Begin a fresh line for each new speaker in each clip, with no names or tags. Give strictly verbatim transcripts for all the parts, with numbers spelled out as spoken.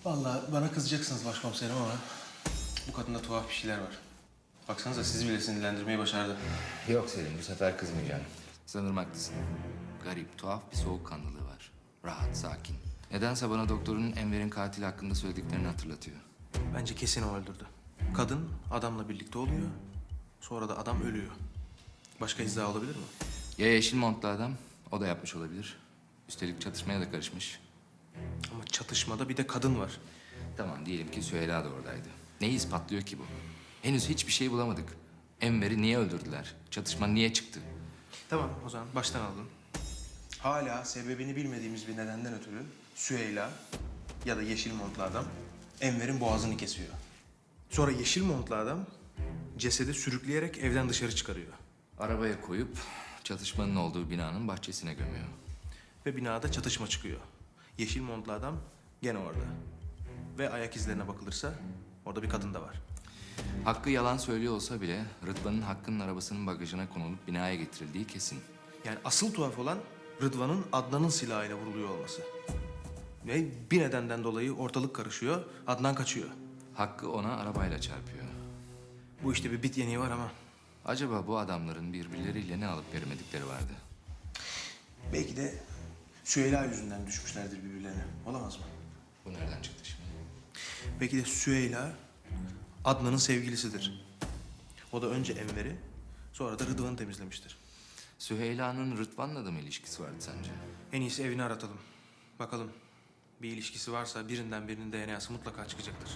Vallahi bana kızacaksınız başkomiserim ama bu kadında tuhaf bir şeyler var. Baksanıza sizi bile sinirlendirmeyi başardı.
Yok Selim, bu sefer kızmayacağım. Sanırım haklısın. Garip, tuhaf bir soğukkanlılığı var. Rahat, sakin. Nedense bana doktorun Enver'in katili hakkında söylediklerini hatırlatıyor.
Bence kesin o öldürdü. Kadın adamla birlikte oluyor. Sonra da adam ölüyor. Başka izah olabilir mi?
Ya yeşil montlu adam, o da yapmış olabilir. Üstelik çatışmaya da karışmış.
Ama çatışmada bir de kadın var.
Tamam, diyelim ki Süheyla da oradaydı. Neyi ispatlıyor ki bu? Henüz hiçbir şey bulamadık. Enver'i niye öldürdüler? Çatışma niye çıktı?
Tamam o zaman baştan alalım. Hala sebebini bilmediğimiz bir nedenden ötürü Süheyla ya da yeşil montlu adam Enver'in boğazını kesiyor. Sonra yeşil montlu adam cesedi sürükleyerek evden dışarı çıkarıyor.
Arabaya koyup çatışmanın olduğu binanın bahçesine gömüyor.
Ve binada çatışma çıkıyor. Yeşil montlu adam gene orada. Ve ayak izlerine bakılırsa orada bir kadın da var.
Hakkı yalan söylüyor olsa bile Rıdvan'ın Hakkı'nın arabasının bagajına konulup binaya getirildiği kesin.
Yani asıl tuhaf olan Rıdvan'ın Adnan'ın silahıyla vuruluyor olması. Ve bir nedenden dolayı ortalık karışıyor, Adnan kaçıyor.
Hakkı ona arabayla çarpıyor.
Bu işte bir bit yeniği var ama
Acaba bu adamların birbirleriyle ne alıp veremedikleri vardı?
belki de Süheyla yüzünden düşmüşlerdir birbirlerine. Olamaz mı?
Bu nereden çıktı şimdi?
Belki de Süheyla Adnan'ın sevgilisidir. O da önce Enver'i, sonra da Rıdvan'ı temizlemiştir.
Süheyla'nın Rıdvan'la da mı ilişkisi vardı sence?
En iyisi evini aratalım. Bakalım bir ilişkisi varsa birinden birinin D N A'sı mutlaka çıkacaktır.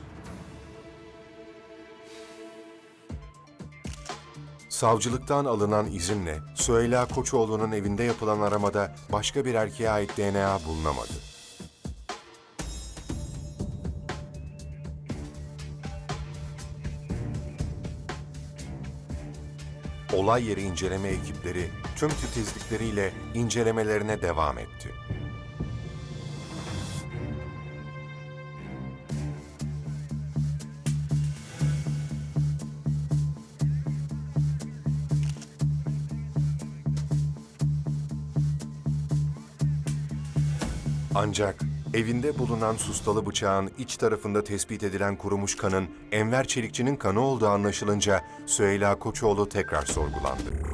Savcılıktan alınan izinle Süheyla Koçoğlu'nun evinde yapılan aramada başka bir erkeğe ait D N A bulunamadı. Olay yeri inceleme ekipleri tüm titizlikleriyle incelemelerine devam etti. Ancak evinde bulunan sustalı bıçağın iç tarafında tespit edilen kurumuş kanın Enver Çelikçi'nin kanı olduğu anlaşılınca Süheyla Koçoğlu tekrar sorgulandı.